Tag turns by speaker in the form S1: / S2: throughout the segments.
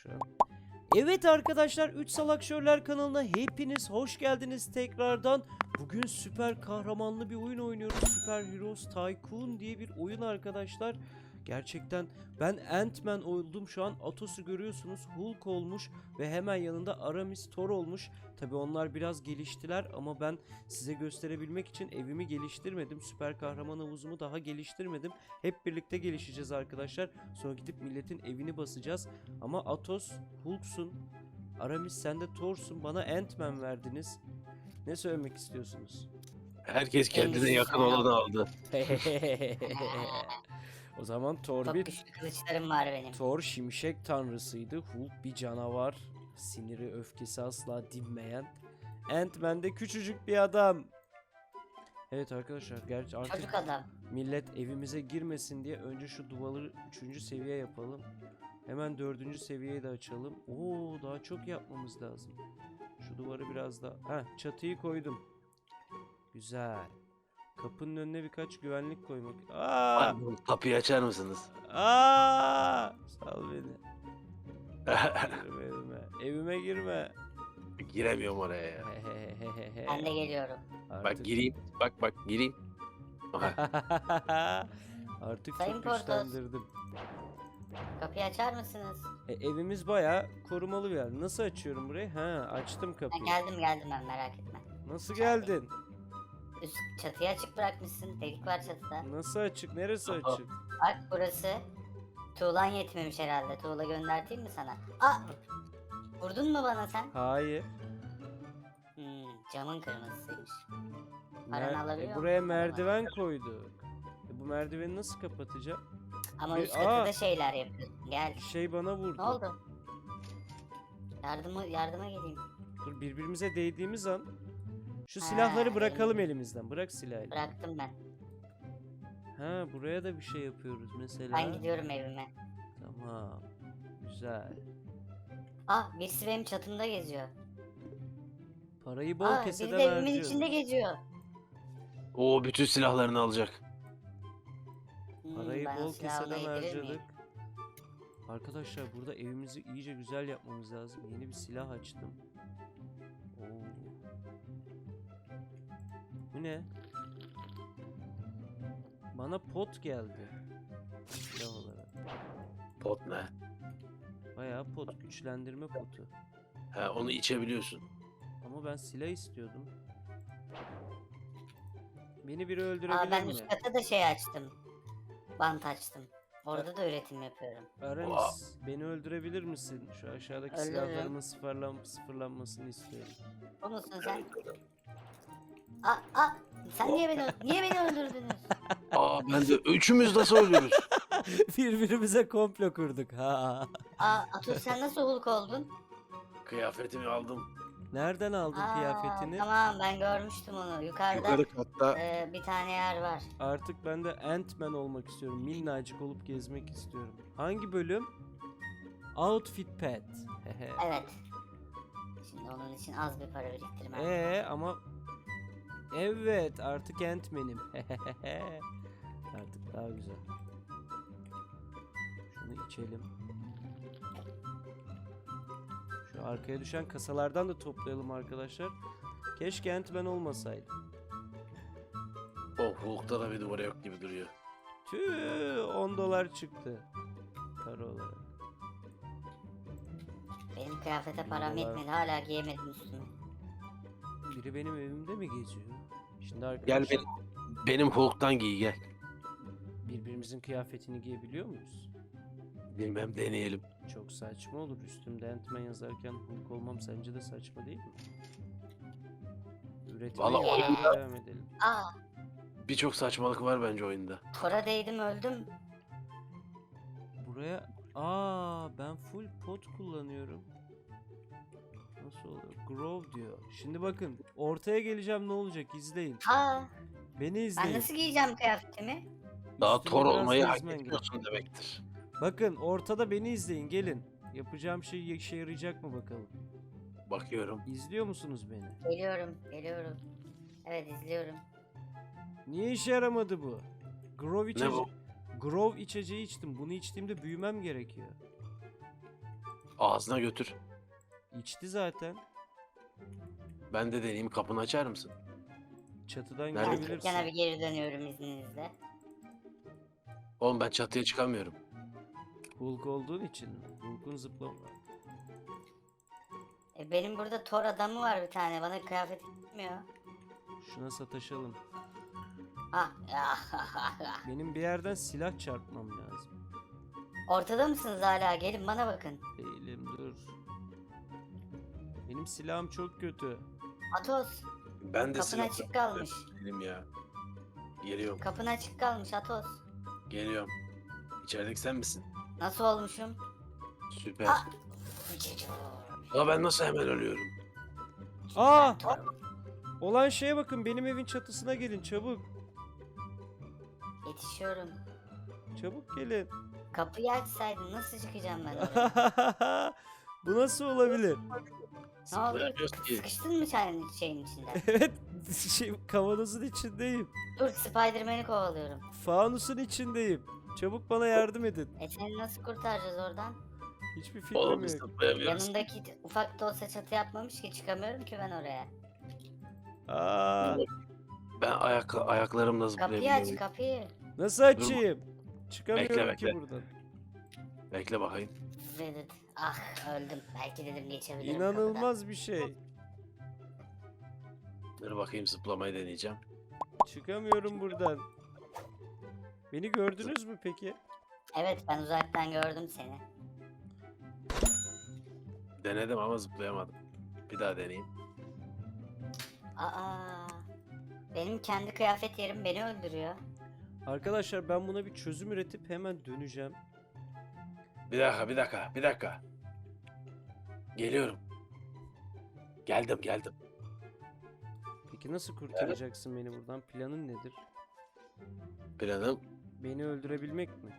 S1: şu an. Evet arkadaşlar, 3 Salak Şörler kanalına hepiniz hoş geldiniz tekrardan. Bugün süper kahramanlı bir oyun oynuyoruz. Super Heroes Tycoon diye bir oyun arkadaşlar. Gerçekten ben Ant-Man oldum şu an. Atos'u görüyorsunuz, Hulk olmuş ve hemen yanında Aramis, Thor olmuş. Tabi onlar biraz geliştiler ama ben size gösterebilmek için evimi geliştirmedim. Süper kahraman havuzumu daha geliştirmedim. Hep birlikte gelişeceğiz arkadaşlar. Sonra gidip milletin evini basacağız. Ama Atos, Hulk'sun. Aramis, sen de Thor'sun. Bana Ant-Man verdiniz. Ne söylemek istiyorsunuz?
S2: Herkes
S3: En
S2: kendine yakın
S3: güzel
S2: olanı
S3: oldu.
S2: aldı.
S1: O zaman Thor
S3: Çok
S1: bir
S3: güçlü kılıçlarım var benim.
S1: Thor şimşek tanrısıydı. Hulk bir canavar. Siniri öfkesi asla dinmeyen. Ant-Man de küçücük bir adam. Evet arkadaşlar, gerçi artık
S3: Çocuk adam.
S1: millet evimize girmesin diye önce şu duvarı 3. seviye yapalım. Hemen 4. seviyeyi de açalım. Oo, daha çok yapmamız lazım. Şu duvarı biraz daha... Heh, çatıyı koydum. Güzel. Kapının önüne birkaç güvenlik koymak. Aa!
S2: Kapıyı açar mısınız?
S1: Aa! Sal beni. Girme evime. Evime girme.
S2: Giremiyorum oraya ya.
S3: Ben de geliyorum.
S2: Bak gireyim. Bak gireyim. Aha.
S1: Artık
S3: Sayın
S1: çok
S3: Portos.
S1: güçlendirdim.
S3: Kapıyı açar mısınız?
S1: Evimiz bayağı korumalı bir yer. Nasıl açıyorum burayı? Ha, açtım
S3: Ha,
S1: kapıyı.
S3: geldim ben, merak etme.
S1: Nasıl geldin?
S3: Üst çatıyı açık bırakmışsın. Delik var çatıda.
S1: Nasıl açık? Neresi
S2: Aha.
S1: açık?
S3: Bak burası. Tuğlan yetmemiş herhalde. Tuğla gönderteyim mi sana? Aa! Vurdun mu bana sen?
S1: Hayır.
S3: Camın kırmızısıymış. Paranı alabiliyor
S1: Buraya
S3: musun?
S1: merdiven koyduk. Bu merdiveni nasıl kapatacağım?
S3: Ama
S1: Bir-
S3: üst katıda
S1: Aa!
S3: şeyler yapıyorsun. Gel.
S1: Şey bana vurdu.
S3: Ne oldu? Yardıma geleyim.
S1: Dur, birbirimize değdiğimiz an şu
S3: Ha,
S1: silahları bırakalım elimizden. Bırak silahı.
S3: Bıraktım ben.
S1: Ha, buraya da bir şey yapıyoruz mesela.
S3: Ben gidiyorum evime.
S1: Tamam. Güzel.
S3: Ah, birisi benim çatımda geziyor.
S1: Parayı bol
S3: Aa, biri
S1: keseden
S3: de evimin
S1: harcıyoruz.
S3: içinde geziyor.
S2: O bütün silahlarını alacak.
S1: Parayı
S3: Ben o
S1: bol
S3: silahı ona
S1: keseden
S3: yedirir
S1: harcadık.
S3: miyim?
S1: Arkadaşlar, burada evimizi iyice güzel yapmamız lazım. Yeni bir silah açtım. Oo. Bu ne? Bana pot geldi. Silah olarak.
S2: Pot ne?
S1: Bayağı pot. Güçlendirme potu.
S2: Ha, onu içebiliyorsun.
S1: Ama ben silah istiyordum. Beni biri
S3: Aa,
S1: öldürebilir
S3: ben
S1: mi?
S3: üst kata da şey açtım. Bant açtım. Orada da üretim yapıyorum.
S1: Aramis, beni öldürebilir misin? Şu aşağıdaki
S3: Öldürürüm.
S1: silahlarımın sıfırlanmasını istiyorum.
S3: O musun sen? Sen niye beni öldürdünüz?
S2: Aa ben de üçümüz nasıl ölüyoruz?
S1: Birbirimize komplo kurduk. Ha.
S3: Atus sen nasıl Hulk oldun?
S2: Kıyafetimi aldım.
S1: Nereden aldın kıyafetini?
S3: Tamam, ben görmüştüm onu. Yukarıda
S2: Yukarı katta.
S3: bir tane yer var.
S1: Artık ben de Ant-Man olmak istiyorum. Minnacık olup gezmek istiyorum. Hangi bölüm? Outfit Pet.
S3: Evet. Şimdi onun için az bir para biriktirmem.
S1: Ama evet, artık Ant-Man'im. Artık daha güzel. Şunu içelim. Şu arkaya düşen kasalardan da toplayalım arkadaşlar. Keşke Ant-Man olmasaydı.
S2: Oh Hulk'ta da bir duvara yok gibi duruyor.
S1: Tüh, 10 dolar çıktı. Para olarak.
S3: Benim kıyafete param
S1: Dolar.
S3: yetmedi. Hala giyemedim üstüme.
S1: Biri benim evimde mi geziyor? Şimdi
S2: Gel
S1: arkadaşlar,
S2: benim Hulk'tan giy gel.
S1: birbirimizin kıyafetini giyebiliyor muyuz?
S2: Bilmem deneyelim.
S1: Çok saçma olur. Üstümde Ant-Man yazarken Hulk olmam sence de saçma değil mi? Üretmeye
S2: Vallahi oyunda-
S1: devam edelim.
S2: Birçok saçmalık var bence oyunda.
S3: Tora değdim, öldüm.
S1: Buraya... ben full pot kullanıyorum. Nasıl oluyor? Grow diyor. Şimdi bakın, ortaya geleceğim, ne olacak izleyin. Beni izleyin.
S3: Ben nasıl giyeceğim kıyafetimi?
S2: Daha
S1: Üstüne
S2: Thor
S1: biraz
S2: olmayı hak
S1: gezmen
S2: etmiyorsun demektir.
S1: Bakın, ortada beni izleyin, gelin. Yapacağım şey işe yarayacak mı bakalım.
S2: Bakıyorum.
S1: İzliyor musunuz beni?
S3: Geliyorum. Evet, izliyorum.
S1: Niye işe yaramadı bu? Grove
S2: Ne
S1: içeceği.
S2: bu?
S1: Grove içeceği içtim. Bunu içtiğimde büyümem gerekiyor.
S2: Ağzına götür.
S1: İçti zaten.
S2: Ben de deneyeyim, kapını açar mısın?
S1: Çatıdan
S2: Nerede?
S3: Ben
S1: görebilirsin.
S3: dükkana bir geri dönüyorum izninizle.
S2: Oğlum ben çatıya çıkamıyorum.
S1: Hulk olduğun için mi? Hulk'un zıplama.
S3: Benim burada Thor adamı var bir tane. Bana kıyafet gitmiyor.
S1: Şuna sataşalım.
S3: Ah.
S1: Benim bir yerden silah çarpmam lazım.
S3: Ortada mısınız hala? Gelin bana bakın.
S1: Değilim, dur. Benim silahım çok kötü.
S3: Atos.
S2: Ben de
S3: Kapın
S2: silah
S3: açık kalmış.
S2: değilim ya. Geliyorum.
S3: Kapın açık kalmış Atos.
S2: Geliyorum. İçerideki sen misin?
S3: Nasıl olmuşum?
S2: Süper.
S3: Ah!
S2: Ya ben nasıl hemen ölüyorum?
S1: Aa!
S3: Thor.
S1: Olan şeye bakın, benim evin çatısına gelin çabuk.
S3: Yetişiyorum.
S1: Çabuk gelin.
S3: Kapıyı açsaydın nasıl çıkacağım ben oraya?
S1: Bu nasıl olabilir?
S3: Ne oldu?
S2: Zıplayamıyoruz ki.
S3: Sıkıştın mı şeyin içinde?
S1: Evet, kavanozun içindeyim.
S3: Dur Spider-Man'i kovalıyorum.
S1: Fanusun içindeyim. Çabuk bana yardım edin.
S3: Seni nasıl kurtaracağız oradan?
S1: Hiçbir fikrim
S2: Oğlum biz
S1: yok.
S2: zıplayamıyoruz.
S3: Yanındaki ufak da olsa çatı yapmamış ki çıkamıyorum ki ben oraya.
S1: Aa,
S2: Ben ayaklarımla
S3: Kapıyı aç
S2: zıplayabiliyorum.
S3: kapıyı.
S1: nasıl açayım? Çıkamıyorum
S2: Bekle,
S1: ki
S2: bekle.
S1: buradan.
S2: Bekle bakayım.
S3: Vedat. Ah öldüm. Belki dedim geçebilirim
S1: İnanılmaz bir şey.
S2: Dur bakayım, zıplamayı deneyeceğim.
S1: Çıkamıyorum buradan. Beni gördünüz mü peki?
S3: kapıdan. Evet ben uzaktan gördüm seni.
S2: Denedim ama zıplayamadım. Bir daha deneyeyim.
S3: Aa. Benim kendi kıyafet yerim beni öldürüyor.
S1: Arkadaşlar ben buna bir çözüm üretip hemen döneceğim.
S2: Bir dakika. Geliyorum. Geldim.
S1: Peki nasıl kurtaracaksın beni buradan? Planın nedir?
S2: Planım.
S1: Beni öldürebilmek mi?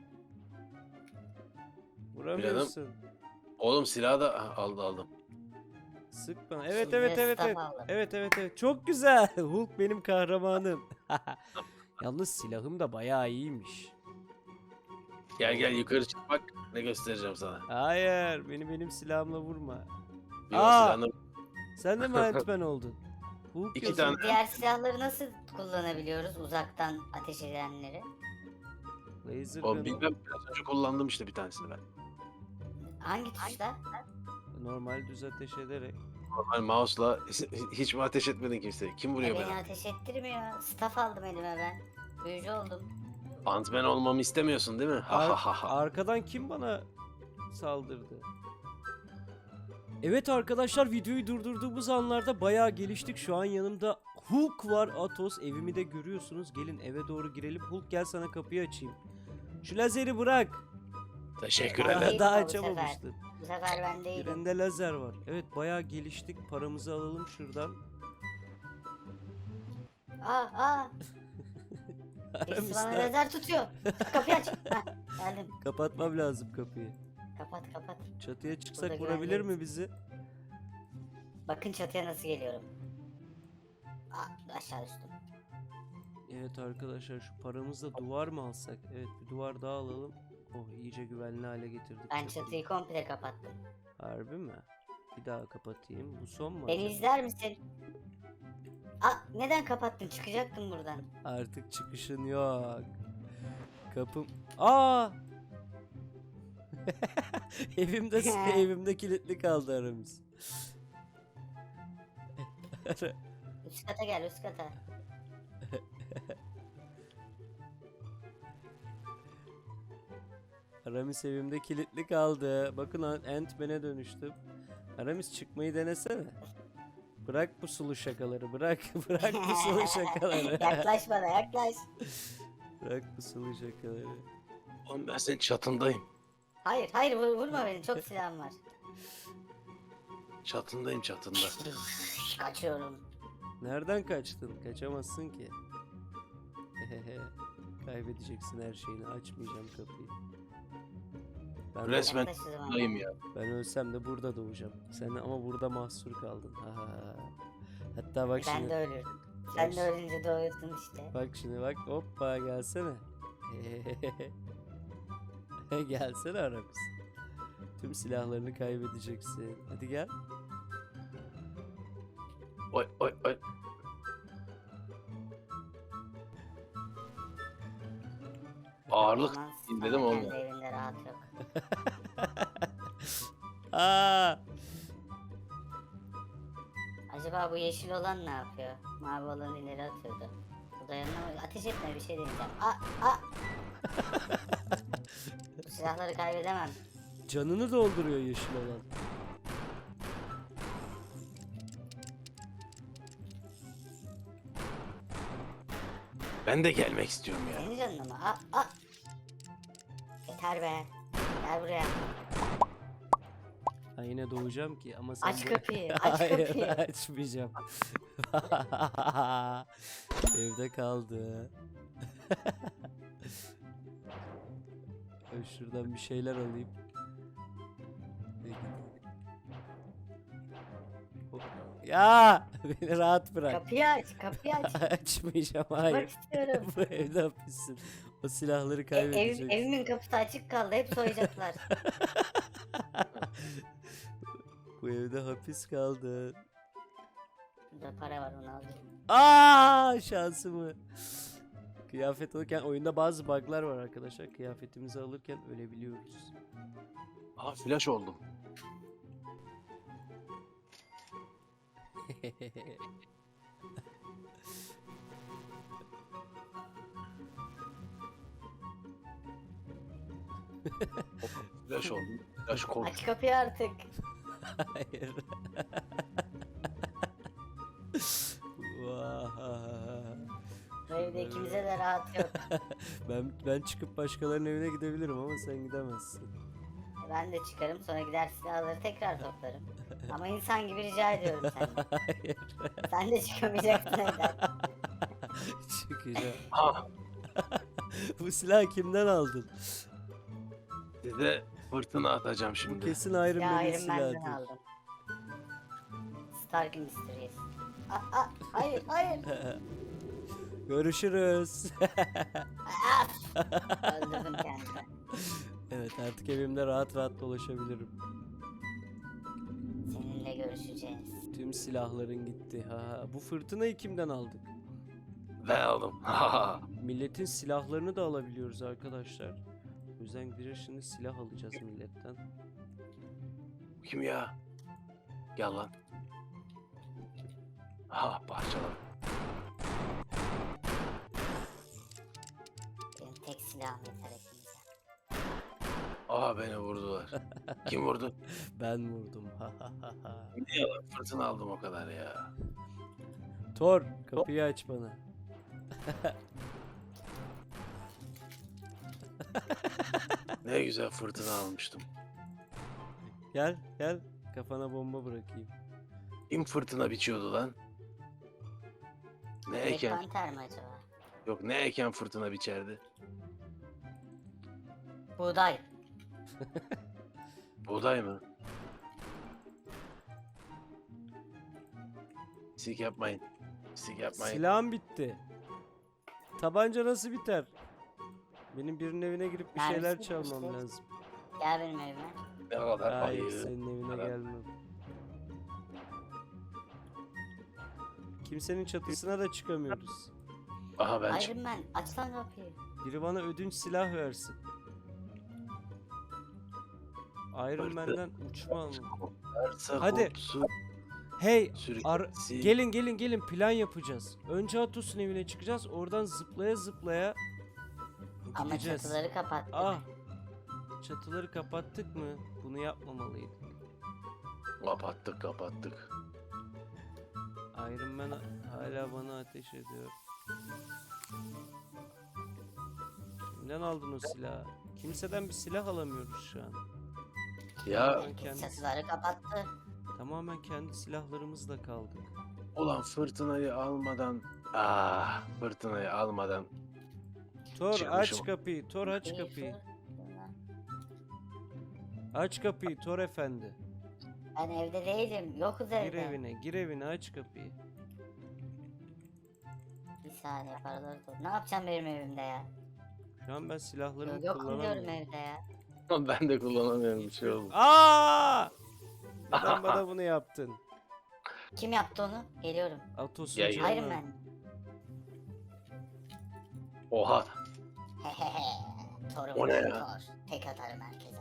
S1: Vuramıyorsun.
S2: Oğlum silahı da aldım.
S1: Sık bana. Evet
S3: Şimdi
S1: evet evet
S3: staff
S1: evet.
S3: aldım.
S1: Evet. Çok güzel. Hulk benim kahramanım. Yalnız silahım da bayağı iyiymiş.
S2: Gel yukarı çık, bak ne göstereceğim sana.
S1: Hayır, benim silahımla vurma.
S2: Bir
S1: Aa!
S2: silahını
S1: Sen de mi Ant-Man oldun? Hulk
S2: İki
S1: yazıyor.
S2: tane.
S3: Diğer silahları nasıl kullanabiliyoruz uzaktan ateş edenleri?
S1: Laser
S2: Oğlum
S1: gun.
S2: bilmem, biraz önce kullandım işte bir tanesini ben.
S3: Hangi tuşla?
S1: Normal düz ateş ederek.
S2: Normal mouse'la hiç mi ateş etmedin kimseye? Kim vuruyor
S3: Beni
S2: beni?
S3: ateş ettirmiyor. Staff aldım elime ben. Büyücü oldum.
S2: Ant-Man olmamı istemiyorsun değil mi? Ha ha ha ha.
S1: Arkadan kim bana saldırdı? Evet arkadaşlar, videoyu durdurduğumuz anlarda bayağı geliştik. Şu an yanımda Hulk var, Atos. Evimi de görüyorsunuz. Gelin eve doğru girelim. Hulk gel sana kapıyı açayım. Şu lazeri bırak.
S2: Teşekkür
S3: Ben
S2: ederim.
S3: değilim
S1: Daha
S3: o bu sefer.
S1: açamamıştın.
S3: Bu sefer ben değilim.
S1: Elinde lazer var. Evet bayağı geliştik. Paramızı alalım şuradan.
S3: Aa. Birisi bana lazer tutuyor. Kapıyı aç. Heh, geldim.
S1: Kapatmam lazım kapıyı.
S3: Kapat.
S1: Çatıya çıksak
S3: Burada
S1: vurabilir
S3: güvendeyiz.
S1: mi bizi?
S3: Bakın çatıya nasıl geliyorum. Aşağı düştüm.
S1: Evet arkadaşlar, şu paramızla duvar mı alsak? Evet, bir duvar daha alalım. Oh, iyice güvenli hale getirdik.
S3: Ben
S1: çatıyı.
S3: çatıyı komple kapattım.
S1: Harbi mi? Bir daha kapatayım. Bu son mu
S3: Beni
S1: acaba?
S3: izler misin? Neden kapattın? Çıkacaktım buradan.
S1: Artık çıkışın yok. Kapım... Aa! evimde kilitli kaldı aramız.
S3: Üst kata gel üst kata.
S1: Aramis evimde kilitli kaldı. Bakın Ant-Man'e dönüştüm. Aramis çıkmayı denesene. Bırak bu sulu şakaları. Bırak bu sulu şakaları.
S3: Yaklaş bana yaklaş.
S1: Bırak bu sulu şakaları.
S2: Oğlum ben senin çatındayım.
S3: Hayır vurma beni çok silahım var.
S2: Çatındayım.
S3: Kaçıyorum.
S1: Nereden kaçtın? Kaçamazsın ki. Kaybedeceksin her şeyini. Açmayacağım kapıyı. Ben,
S2: Resmen
S3: Yaklaş o zaman.
S2: çatındayım ya.
S1: ben ölsem de burada doğacağım. Sen ama burada mahsur kaldın. Hatta bak
S3: Ben
S1: şimdi.
S3: de ölüyorum. Sen de ölünce doğuyorsun işte.
S1: Bak şimdi bak. Hoppa gelsene. Gelsene Aramis. Tüm silahlarını kaybedeceksin. Hadi gel.
S2: Oy oy oy. Ağırlık
S3: Aman,
S2: indirdim
S3: ama
S2: olmuyor.
S3: kendi evinde rahat yok.
S1: Aa!
S3: Acaba bu yeşil olan ne yapıyor? Mavi olan ileri atıyordu. Bu da yanına ateş etme, bir şey deneyeceğim. Bu silahları kaybedemem.
S1: Canını dolduruyor yeşil olan.
S2: Ben de gelmek istiyorum ya.
S3: Senin canına mı? Yeter be. Gel buraya.
S1: Ha, yine doğacağım ki ama sen
S3: Aç
S1: de-
S3: kapıyı. Aç
S1: Hayır,
S3: kapıyı.
S1: açmayacağım. Evde kaldı. Ben şuradan bir şeyler alayım. Ya beni rahat bırak.
S3: Kapıyı aç. Kapıyı aç.
S1: Açmayacağım,
S3: Bak
S1: hayır.
S3: istiyorum.
S1: Bu evde hapissin. O silahları
S3: Ev,
S1: kaybedeceksin.
S3: evimin kapısı açık kaldı. Hep soyacaklar.
S1: Bu evde hapis kaldı.
S3: Burada para var, onu alacağım.
S1: Aa, şansımı. Kıyafet alırken oyunda bazı bug'lar var arkadaşlar. Kıyafetimizi alırken ölebiliyoruz.
S2: Aa flash oldum. Flash oldum. Flash kork.
S3: Aç kapıyı artık.
S1: Hayır. Vah.
S3: Bu evde ikimize de rahat yok.
S1: Ben çıkıp başkalarının evine gidebilirim ama sen gidemezsin.
S3: Ben de çıkarım, sonra gider silahları tekrar toplarım. Ama insan gibi rica ediyorum senden.
S1: Hayır.
S3: Sen de çıkamayacaksın evden.
S1: Çıkacağım.
S2: Ha,
S1: Bu silahı kimden aldın?
S2: size fırtına atacağım
S1: Bu
S2: şimdi.
S1: kesin Iron
S3: Ya
S1: Man'in
S3: Iron Man'den
S1: silahıdır.
S3: aldım. Stark Industries. Hayır, hayır.
S1: Görüşürüz.
S3: Öldürdüm kendimi.
S1: Evet, artık evimde rahat rahat dolaşabilirim.
S3: Seninle görüşeceğiz.
S1: Tüm silahların gitti. Ha, bu fırtınayı kimden aldık?
S2: Ben aldım. Ha.
S1: Milletin silahlarını da alabiliyoruz arkadaşlar. O yüzden gideceğiz, şimdi silah alacağız milletten.
S2: Kim ya? Gel lan. Ha parçalar.
S3: Benim tek silahım yeter hepimize.
S2: Aa beni vurdular. Kim vurdu?
S1: Ben vurdum.
S2: Niye lan? Fırtına aldım o kadar ya.
S1: Thor, kapıyı aç bana.
S2: Ne güzel fırtına almıştım.
S1: Gel, gel. Kafana bomba bırakayım.
S2: Kim fırtına biçiyordu lan? Ne
S3: Black
S2: eken?
S3: Panther mi acaba?
S2: Yok ne eken fırtına biçerdi?
S3: Buğday.
S2: Buğday mı? Pislik yapmayın. Pislik yapmayın.
S1: Silahım bitti. Tabanca nasıl biter? Benim birinin evine girip bir şeyler
S3: Mermisi
S1: çalmam
S3: bitmişti.
S1: lazım.
S3: Gel benim evime.
S2: Ne kadar
S1: Hayır,
S2: ayı.
S1: senin evine
S2: Adam.
S1: gelmem. Kimsenin çatısına da çıkamıyoruz.
S2: Aha ben
S3: Iron Man, aç lan kapıyı.
S1: Biri bana ödünç silah versin. Iron Man'den uçma mı?
S2: çıkarsa
S1: Hadi.
S2: kopsun,
S1: Hey,
S2: sürüklesin.
S1: gelin plan yapacağız. Önce Atos'un evine çıkacağız. Oradan zıplaya zıplaya
S3: Ama
S1: gideceğiz.
S3: çatıları kapattı.
S1: Ah. Çatıları kapattık mı? Bunu yapmamalıydık.
S2: Kapattık.
S1: Iron Man hala bana ateş ediyor. Kimden aldın o silahı? Kimseden bir silah alamıyoruz şu an.
S2: Ya
S1: Tamamen kendi,
S3: Çatıları kapattı.
S1: tamamen kendi silahlarımızla kaldık.
S2: ulan fırtınayı almadan fırtınayı almadan
S1: Thor aç
S2: Çıkmışım.
S1: kapıyı, Thor aç
S3: İyi,
S1: kapıyı.
S3: fırtına.
S1: Aç kapıyı Thor efendi.
S3: Ben evde değilim. Yokuz evde.
S1: Gir evine aç kapıyı.
S3: Bir saniye, paraları topla. Ne yapacağım benim evimde ya?
S1: Şu an ben silahlarımı
S3: Yokum diyorum
S1: kullanamıyorum.
S3: evde ya.
S2: Ben de kullanamıyorum bir şey oldu.
S1: Aa! Neden bana bunu yaptın?
S3: Kim yaptı onu? Geliyorum.
S1: Atos'un
S2: Ya,
S1: canı.
S3: Iron Man.
S2: Oha.
S3: Hehehe. Thor'um
S2: O ne
S3: ben
S2: ya?
S3: Thor. Tek atarım herkese.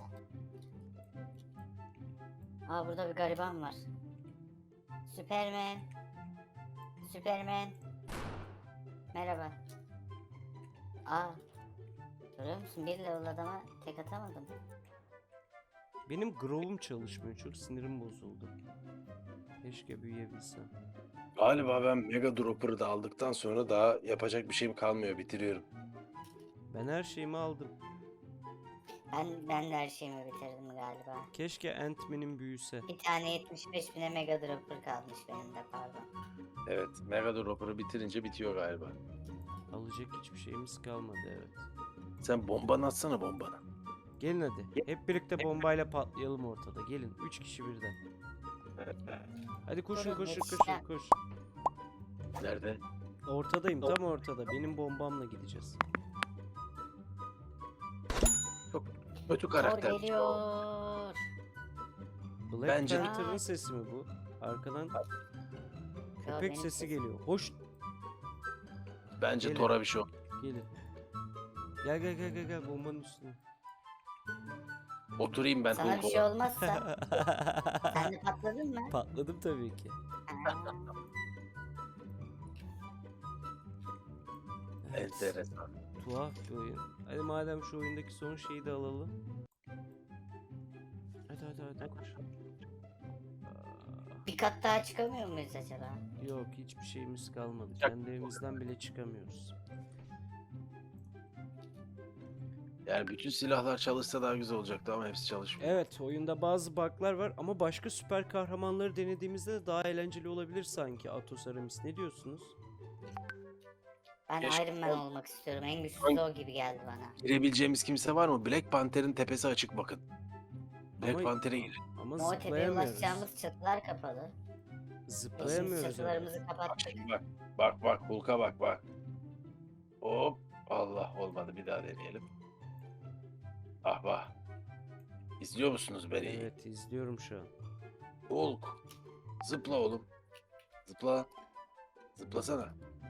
S3: Aa burada bir gariban var. Superman. Superman. Merhaba. Aa. Görüyor musun? Bir level adama tek atamadım.
S1: Benim Grow'um çalışmıyor. Çok sinirim bozuldu. Keşke büyüyebilsem.
S2: Galiba ben Mega Dropper'ı da aldıktan sonra daha yapacak bir şeyim kalmıyor. Bitiriyorum.
S1: Ben her şeyimi aldım.
S3: Ben de her şeyimi bitirdim galiba.
S1: Keşke Ant-Man'in büyüse.
S3: Bir tane 75 bine Mega Dropper kalmış benim de pardon.
S2: Evet. Mega Dropper'ı bitirince bitiyor galiba.
S1: Alacak hiçbir şeyimiz kalmadı, evet.
S2: Sen bombanı atsana bombanı.
S1: Gelin hadi. Hep birlikte bombayla patlayalım ortada. Gelin. 3 kişi birden. Hadi koşun
S3: Durun,
S1: koşun
S3: yetişeceğim.
S1: koşun koş.
S2: Nerede?
S1: Ortadayım, tam ortada. Benim bombamla gideceğiz.
S2: Kötü
S3: Thor
S2: karakter.
S3: geliyor.
S1: Black
S2: Bence-
S1: Panther'ın sesi mi bu? Arkadan köpek
S3: benim
S1: sesi
S3: sesim.
S1: geliyor. Hoş,
S2: Bence
S1: Gelin.
S2: Thor'a bir şey oldu.
S1: gelin. Gel gel gel gel gel bombanın üstüne.
S2: Oturayım ben
S3: Sana bir
S2: Hulk
S3: şey
S2: olarak.
S3: olmazsa sen de patladın mı?
S1: Patladım tabii ki.
S3: Ha.
S1: Evet,
S2: Enteresan.
S1: tuhaf bir oyun. Hadi madem şu oyundaki son şeyi de alalım. Hadi koş.
S3: Bir kat daha çıkamıyor muyuz acaba?
S1: Yok, hiçbir şeyimiz kalmadı.
S2: Çak-
S1: Kendi evimizden bile çıkamıyoruz.
S2: Yani bütün silahlar çalışsa daha güzel olacaktı ama hepsi çalışmıyor.
S1: Evet, oyunda bazı bug'lar var ama başka süper kahramanları denediğimizde de daha eğlenceli olabilir sanki. Atos, Aramis, ne diyorsunuz?
S3: Ben
S2: Keşke-
S3: Iron Man olmak istiyorum. En güçlüsü o gibi geldi bana.
S2: Girebileceğimiz kimse var mı? Black Panther'ın tepesi açık bakın. Black
S1: Ama-
S2: Panther'e girin.
S1: Ama
S3: Ama o tepeye
S1: zıplayamıyoruz.
S3: ulaşacağımız çatılar kapalı. Şimdi
S1: Zıplayamıyoruz. ama.
S3: çatılarımızı
S2: Bak
S3: kapattık.
S2: şimdi bak. Bak Hulk'a bak. Hop. Allah olmadı, bir daha deneyelim. Ah vah. İzliyor musunuz beni?
S1: Evet, izliyorum şu an.
S2: Hulk. Zıpla oğlum. Zıpla. Zıplasana.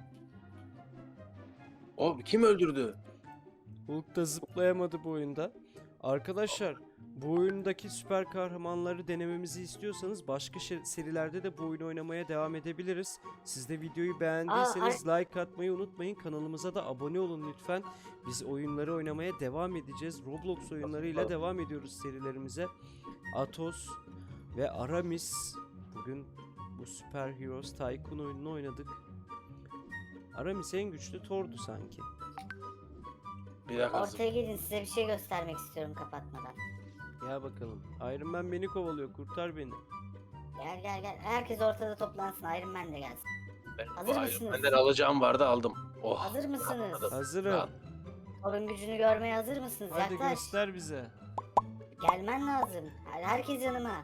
S2: O kim öldürdü?
S1: Hulk da zıplayamadı bu oyunda. Arkadaşlar, bu oyundaki süper kahramanları denememizi istiyorsanız başka serilerde de bu oyunu oynamaya devam edebiliriz. Siz de videoyu beğendiyseniz like atmayı unutmayın. Kanalımıza da abone olun lütfen. Biz oyunları oynamaya devam edeceğiz. Roblox oyunlarıyla devam ediyoruz serilerimize. Atos ve Aramis. Bugün bu Super Heroes Tycoon oyununu oynadık. Aramis en güçlü Thor'du sanki.
S2: Bir dakika.
S3: Ortaya gelin, size bir şey göstermek istiyorum kapatmadan.
S1: Gel bakalım. Iron Man beni kovalıyor. Kurtar beni.
S3: Gel. Herkes ortada toplansın. Iron Man de gelsin. Hazır
S2: Iron
S3: mısınız?
S2: Man'den alacağım vardı, aldım. Oh.
S3: Hazır mısınız?
S2: rahatladım.
S1: Hazırım.
S2: Rahat.
S3: Thor'un gücünü görmeye hazır mısınız?
S1: Hadi
S3: Yaklaş.
S1: göster bize.
S3: Gelmen lazım. Herkes yanıma.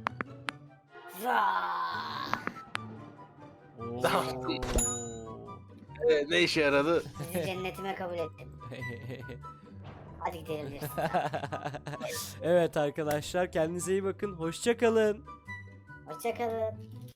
S3: Vaa!
S1: Oo.
S2: Ne işe yaradı?
S3: Sizi cennetime kabul ettim. Hadi gidebiliriz.
S1: Evet arkadaşlar, kendinize iyi bakın. Hoşça kalın.
S3: Hoşçakalın.